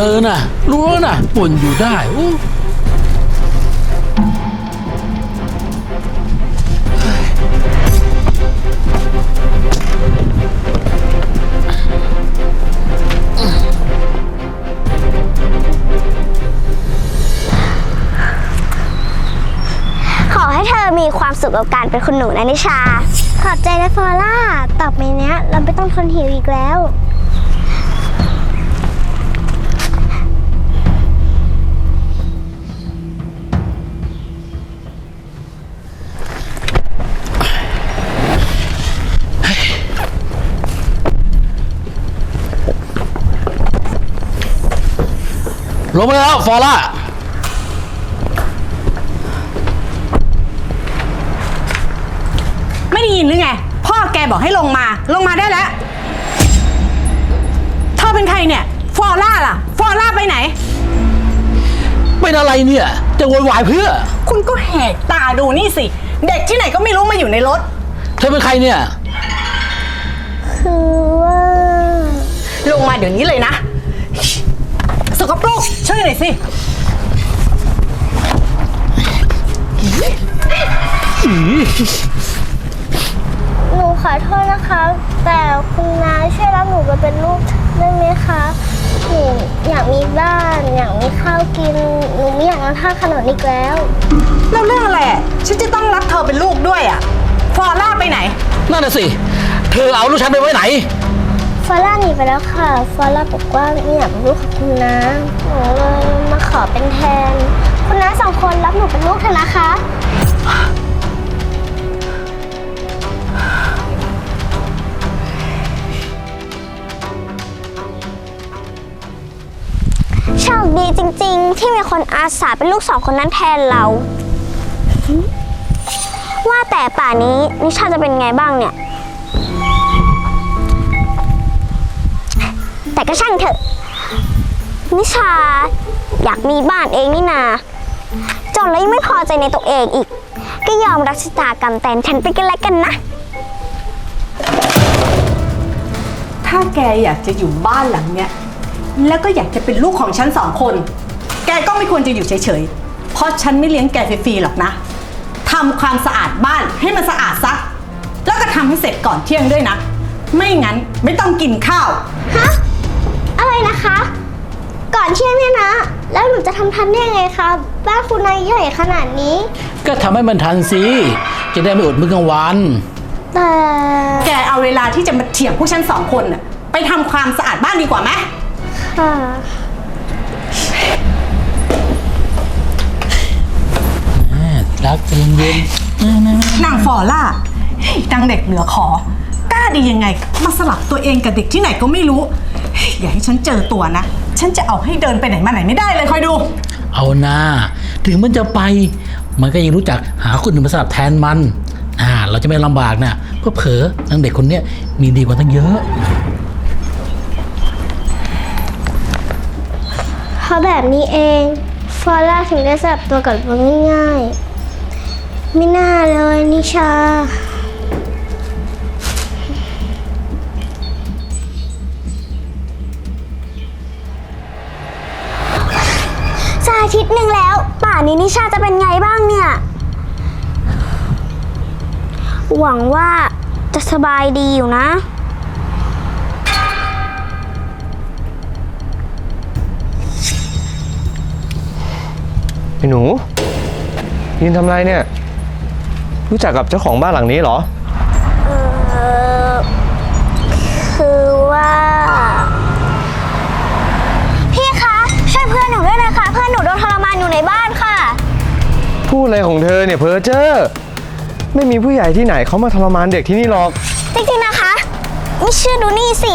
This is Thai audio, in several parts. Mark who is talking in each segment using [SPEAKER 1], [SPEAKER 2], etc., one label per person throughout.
[SPEAKER 1] น่ะรู้แล้วน่ะบ่นอยู่ได้
[SPEAKER 2] ขอให้เธอมีความสุขกับการเป็นคุณหนูนะนิชาขอบใจนะฟอร่าต่อไปเนี้ยเราไม่ต้องทนหิวอีกแล้ว
[SPEAKER 1] ลงมาแล้วฟอร่า
[SPEAKER 3] ไม่ได้ยินหรือไงพ่อแกบอกให้ลงมาได้แล้วเธอเป็นใครเนี่ยฟอร่าล่ะฟอร่าไปไหน
[SPEAKER 1] เป็นอะไรเนี่ยจะโวยวายเพื่อ
[SPEAKER 3] คุณก็แหกตาดูนี่สิเด็กที่ไหนก็ไม่รู้มาอยู่ในรถ
[SPEAKER 1] เธอเป็นใครเนี่ย
[SPEAKER 2] คือว่า
[SPEAKER 3] ลงมาเดี๋ยวนี้เลยนะสกปรกช่วยหน่อยสิ
[SPEAKER 2] หนูขอโทษนะคะแต่คุณน้าช่วยรับหนูไปเป็นลูกได้ไหมคะหนูอยากมีบ้านอยากมีข้าวกินหนูไม่อยากนอนท่าขนนอีกแล้ว
[SPEAKER 3] แล้วเรื่องอะไรฉันจะต้องรับเธอเป็นลูกด้วยอ่ะฟอร่าไปไหน
[SPEAKER 1] นั่นน่ะสิเธอเอาลูกฉันไปไว้ไหน
[SPEAKER 2] ฟอร่าหนีไปแล้วค่ะฟอร่าบอกว่าไม่อยากเป็นลูกของคุณน้าหนูเลยมาขอเป็นแทนคุณน้า2 คนรับหนูเป็นลูกเถอะนะคะโชคดีจริงๆที่มีคนอาสาเป็นลูก2 คนนั้นแทนเราว่าแต่ป่านี้นิชาจะเป็นไงบ้างเนี่ยแต่ก็ช่างเถอะนิชาอยากมีบ้านเองนี่นาจนแล้วยังไม่พอใจในตัวเองอีกก็ยอมรับชะตากรรมแทนฉันไปกันแล้วกันนะ
[SPEAKER 3] ถ้าแกอยากจะอยู่บ้านหลังเนี้ยแล้วก็อยากจะเป็นลูกของฉัน2 คนแกก็ไม่ควรจะอยู่เฉยๆเพราะฉันไม่เลี้ยงแกฟรีๆหรอกนะทำความสะอาดบ้านให้มันสะอาดซะแล้วก็ทำให้เสร็จก่อนเที่ยงด้วยนะไม่งั้นไม่ต้องกินข้าว
[SPEAKER 2] ฮะอะไรนะคะก่อนเที่ยงเนี่ยนะแล้วหนูจะทำทันได้ยังไงคะบ้านคุณนายใหญ่ขนาดนี้
[SPEAKER 1] ก็ทำให้มันทันสิจะได้ไม่อดมื้อกลางวัน
[SPEAKER 2] แต่
[SPEAKER 3] แกเอาเวลาที่จะมาเถียงพวกฉัน2 คนน่ะไปทำความสะอาดบ้านดีกว่าไหม
[SPEAKER 2] ค่ะ
[SPEAKER 1] รักใจเย็น
[SPEAKER 3] นางฟอร่านางเด็กเหลือขอกล้าดียังไงมาสลับตัวเองกับเด็กที่ไหนก็ไม่รู้อย่าให้ฉันเจอตัวนะฉันจะเอาให้เดินไปไหนมาไหนไม่ได้เลยคอยดู
[SPEAKER 1] เอาหน้าถึงมันจะไปมันก็ยังรู้จักหาคนอื่นมาสลับแทนมันเราจะไม่ลำบากนะเพราะเผลอนางเด็กคนนี้มีดีกว่าตั้งเยอะ
[SPEAKER 2] เพราะแบบนี้เองฟอร่าถึงได้สลับตัวกับมันง่ายๆไม่น่าเลยนิชาอาทิตย์หนึ่งแล้วป่านนี้นิชาจะเป็นไงบ้างเนี่ยหวังว่าจะสบายดีอยู่นะ
[SPEAKER 4] ไอ้หนูยืนทำไรเนี่ยรู้จักกับเจ้าของบ้านหลังนี้เหรอ
[SPEAKER 2] คือว่าพี่คะช่วยเพื่อนหนูด้วยนะคะเพื่อนหนูโดนทรมานอยู่ในบ้านค่ะ
[SPEAKER 4] พูดอะไรของเธอเนี่ยเพ้อเจ้อไม่มีผู้ใหญ่ที่ไหนเขามาทรมานเด็กที่นี่หรอก
[SPEAKER 2] จริงๆนะคะไม่เชื่อดูนี่สิ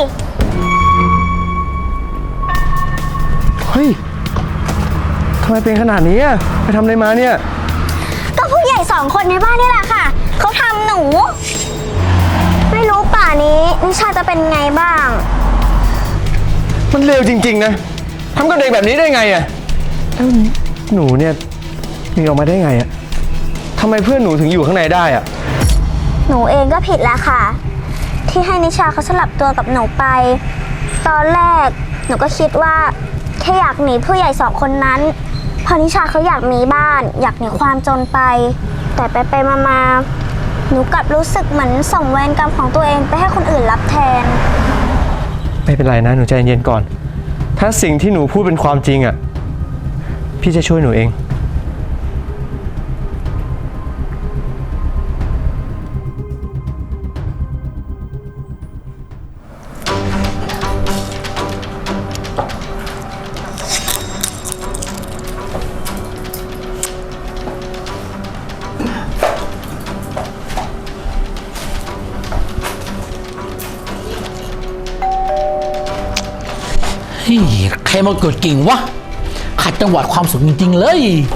[SPEAKER 4] เฮ้ยทำไมเป็นขนาดนี้อ่ะไปทำอะไรมาเนี่ย
[SPEAKER 2] ก็ผู้ใหญ่2 คนในบ้านนี่แหละค่ะเขาทำหนูไม่รู้ป่านี้นิชาจะเป็นไงบ้าง
[SPEAKER 4] มันเลวจริงๆนะทำกับเด็กแบบนี้ได้ไงอ่ะแล้วหนูเนี่ยมีออกมาได้ไงอ่ะทำไมเพื่อนหนูถึงอยู่ข้างในได้อ่ะ
[SPEAKER 2] หนูเองก็ผิดแล้วค่ะที่ให้นิชาเขาสลับตัวกับหนูไปตอนแรกหนูก็คิดว่าแค่อยากหนีผู้ใหญ่2 คนนั้นเพราะนิชาเขาอยากมีบ้าน อยากหนีความจนไป แต่ไปมาหนูกลับรู้สึกเหมือนส่งเวรกรรมของตัวเองไปให้คนอื่นรับแทน
[SPEAKER 4] ไม่เป็นไรนะ หนูใจเย็นก่อน ถ้าสิ่งที่หนูพูดเป็นความจริงอ่ะ พี่จะช่วยหนูเอง
[SPEAKER 1] เฮ้ยใครมากดกิ่งวะขัดจังหวะความสุขจริงๆเลย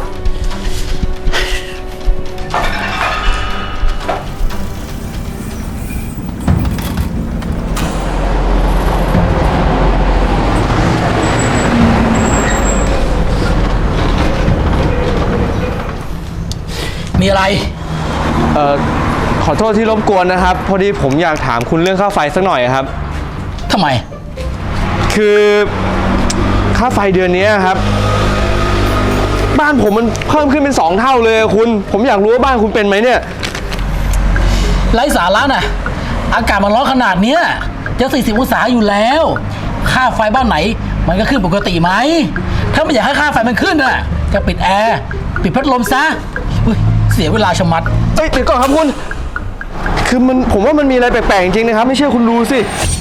[SPEAKER 1] มีอะไร
[SPEAKER 4] ขอโทษที่รบกวนนะครับ พอดีผมอยากถามคุณเรื่องค่าไฟสักหน่อยครับ
[SPEAKER 1] ทำไม
[SPEAKER 4] คือค่าไฟเดือนนี้ครับ บ้านผมมันเพิ่มขึ้นเป็น2 เท่าเลยคุณ ผมอยากรู้ว่าบ้านคุณเป็นไหมเนี่ย
[SPEAKER 1] ไร้สาระน่ะ อากาศมันร้อนขนาดเนี้ยจะ40 องศาอยู่แล้ว ค่าไฟบ้านไหน มันก็ขึ้นปกติไหม ถ้าไม่อยากให้ค่าไฟมันขึ้นน่ะจะปิดแอร์ ปิดพัดลมซะเฮ้ยเสียเวลาชะมัด
[SPEAKER 4] เอ้ยเดี๋ยวก่อนครับคุณ คือผมว่ามันมีอะไรแปลกๆจริงๆนะครับ ไม่เชื่อคุณดูสิ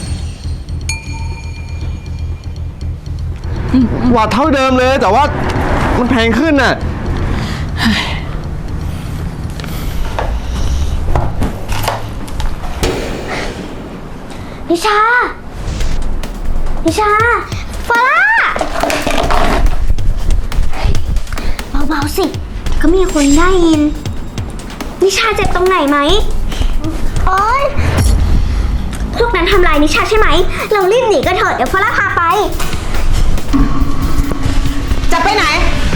[SPEAKER 4] วัตต์เท่าเดิมเลย แต่ว่ามันแพงขึ้นน่ะ
[SPEAKER 2] นิชา ฟาร่า เบาๆสิ ก็มีคนได้ยิน นิชาเจ็บตรงไหนไหมโอ๊ยพวกนั้นทำลายนิชาใช่ไหม เรารีบหนีกันเถอะเดี๋ยวฟาร่าพาไป
[SPEAKER 3] จะไปไหน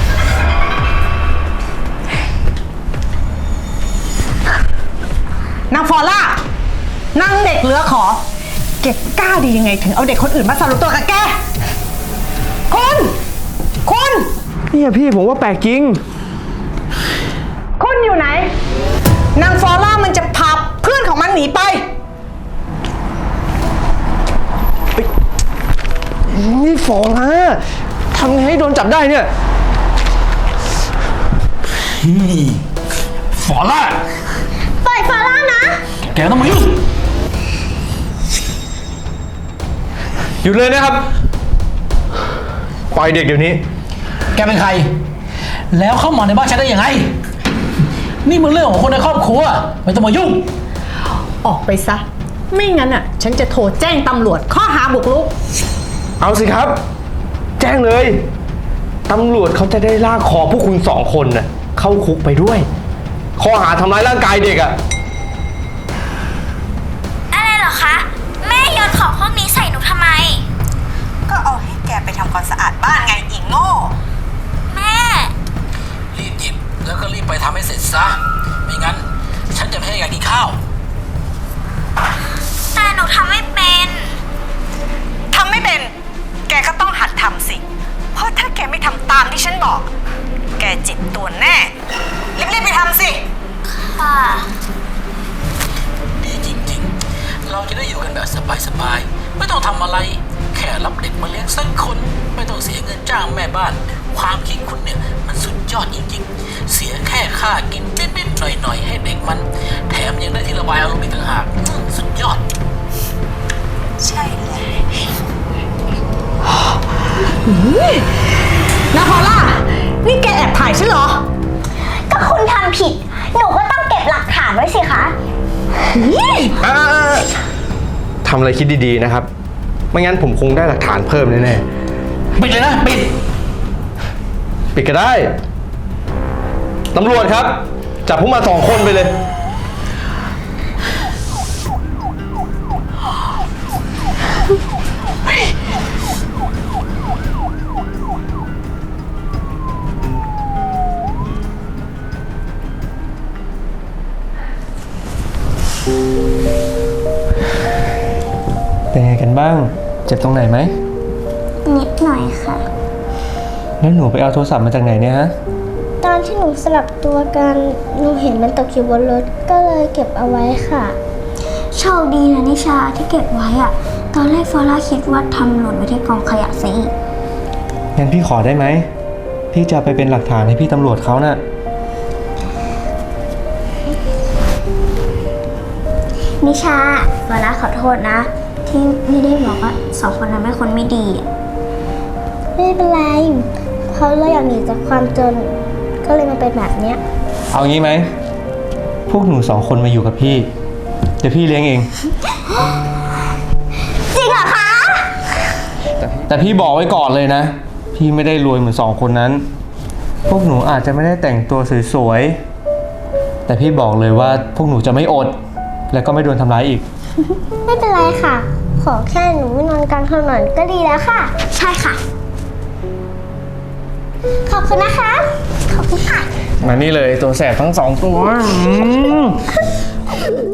[SPEAKER 3] นางฟอล่านางเด็กเหลือขอ แกกล้าดียังไงถึงเอาเด็กคนอื่นมาสรุปตัวกับแก คุณ
[SPEAKER 4] เนี่ยพี่ผมว่าแปลกจริง
[SPEAKER 3] คุณอยู่ไหน นางฟอล่ามันจะพาเพื่อนของมันหนีไป
[SPEAKER 4] นี่ฟอร่าทำไงให้โดนจับได้เนี่ย
[SPEAKER 1] ฝอล่า
[SPEAKER 2] ปล่อยฟาร่านะ
[SPEAKER 1] แกต้องมายุ่ง
[SPEAKER 4] หยุดเลยนะครับ ปล่อยเด็กเดี๋ยวนี้
[SPEAKER 1] แกเป็นใคร แล้วเข้ามาในบ้านฉันได้ยังไง นี่มันเรื่องของคนในครอบครัว ไม่ต้องมายุ่ง
[SPEAKER 3] ออกไปซะ ไม่งั้นอ่ะ ฉันจะโทรแจ้งตำรวจข้อหาบุกรุก
[SPEAKER 4] เอาสิครับ แจ้งเลย ตำรวจเขาจะได้ลากคอพวกคุณ2 คนน่ะเข้าคุกไปด้วย ข้อหาทำร้ายร่างกายเด็กอ่ะ
[SPEAKER 2] อะไรเหรอคะ แม่โยนของพวกนี้ใส่หนูทำไม
[SPEAKER 3] ก็เอาให้แกไปทำความสะอาดบ้านไงอีโง่
[SPEAKER 2] แม่
[SPEAKER 1] รีบหยิบแล้วก็รีบไปทำให้เสร็จซะ ไม่งั้น ฉันจะไม่ให้แกกินข้าว
[SPEAKER 2] แต่หนูทำไม่เป็น
[SPEAKER 3] ทำไม่เป็น แกก็ต้องหัดทำสิ เพราะถ้าแกไม่ทำตามที่ฉันบอก แกเจ็บตัวแน่ รีบๆไปทำสิ
[SPEAKER 2] ค่ะ
[SPEAKER 1] ดีจริงๆ เราจะได้อยู่กันแบบสบายๆ ไม่ต้องทำอะไร แค่รับเด็กมาเลี้ยงสักคน ไม่ต้องเสียเงินจ้างแม่บ้าน ความคิดคุณเนี่ยมันสุดยอดจริงๆ เสียแค่ค่ากินนิดๆหน่อยๆให้เด็กมัน แถมยังได้ที่ระบายอารมณ์อีกต่างหากสุดยอด
[SPEAKER 3] ใช่เลยนาพอล่า นี่แกแอบถ่ายฉันเหรอ
[SPEAKER 2] ก็คุณทำผิด หนูก็ต้องเก็บหลักฐานไว้สิคะ
[SPEAKER 4] ทำอะไรคิดดีๆนะครับ ไม่งั้นผมคงได้หลักฐานเพิ่มแน่
[SPEAKER 1] ปิดเลยนะ ปิด
[SPEAKER 4] ๆ ปิดก็ได้ ตำรวจครับ จับพวกมา2 คนไปเลย เป็นไงกันบ้าง เจ็บตรงไหนไหม
[SPEAKER 2] นิดหน่อยค่ะ
[SPEAKER 4] แล้วหนูไปเอาโทรศัพท์มาจากไหนเนี่ยฮะ
[SPEAKER 2] ตอนที่หนูสลับตัวกันหนูเห็นมันตกอยู่บนรถก็เลยเก็บเอาไว้ค่ะโชคดีนะนิชาที่เก็บไว้อะตอนแรกฟอร่าคิดว่าทำหล่นไว้ที่กองขยะซะอีก
[SPEAKER 4] งั้นพี่ขอได้ไหม พี่จะไปเป็นหลักฐานให้พี่ตำรวจเขาน่ะ
[SPEAKER 2] นิชาฟอร่าขอโทษนะ ที่ไม่ได้บอกว่าสองคนนั้นเป็นคนไม่ดีอะไม่เป็นไรเขาเลยอยากหนีจากความจนก็เลยมาเป็นแบบเนี้ย
[SPEAKER 4] เอางี้ไหม พวกหนู2 คนมาอยู่กับพี่ เดี๋ยวพี่เลี้ยงเอง
[SPEAKER 2] จริงเหรอคะ
[SPEAKER 4] แต่พี่บอกไว้ก่อนเลยนะ พี่ไม่ได้รวยเหมือน2 คนนั้น พวกหนูอาจจะไม่ได้แต่งตัวสวยๆ แต่พี่บอกเลยว่าพวกหนูจะไม่อด และก็ไม่โดนทำร้ายอีก
[SPEAKER 2] ไม่เป็นไรค่ะ ขอแค่หนูไม่นอนกลางถนนก็ดีแล้วค่ะ ใช่ค่ะ ขอบคุณนะคะ ขอบคุณค่ะ
[SPEAKER 4] มานี่เลยตัวแสบทั้ง2 ตัว